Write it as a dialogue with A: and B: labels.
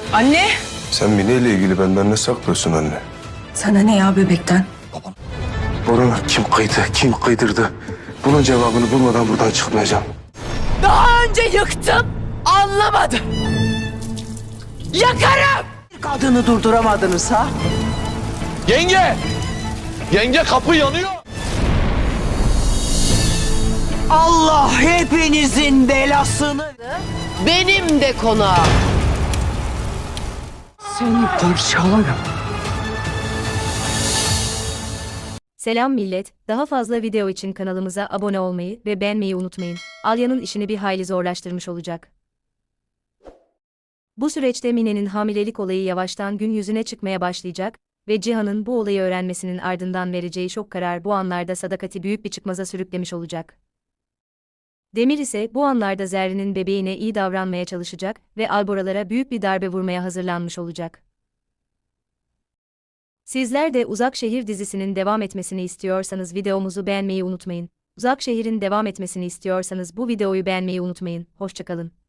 A: Anne!
B: Sen Mine ile ilgili benden ne saklıyorsun anne?
A: Sana ne ya bebekten?
B: Borunu kim kıydı, kim kıydırdı? Bunun cevabını bulmadan buradan çıkmayacağım.
A: Daha önce yıktım, anlamadın. Yakarım!
C: Kadını durduramadınız ha?
D: Yenge! Yenge kapı yanıyor.
C: Allah hepinizin belasını...
A: Benim de konağım.
C: Seni parçalarım.
E: Selam millet, daha fazla video için kanalımıza abone olmayı ve beğenmeyi unutmayın. Alya'nın işini bir hayli zorlaştırmış olacak. Bu süreçte Mine'nin hamilelik olayı yavaştan gün yüzüne çıkmaya başlayacak ve Cihan'ın bu olayı öğrenmesinin ardından vereceği şok karar bu anlarda Sadakat'i büyük bir çıkmaza sürüklemiş olacak. Demir ise bu anlarda Zerrin'in bebeğine iyi davranmaya çalışacak ve Alboralara büyük bir darbe vurmaya hazırlanmış olacak. Sizler de Uzak Şehir dizisinin devam etmesini istiyorsanız videomuzu beğenmeyi unutmayın. Uzak Şehir'in devam etmesini istiyorsanız bu videoyu beğenmeyi unutmayın. Hoşça kalın.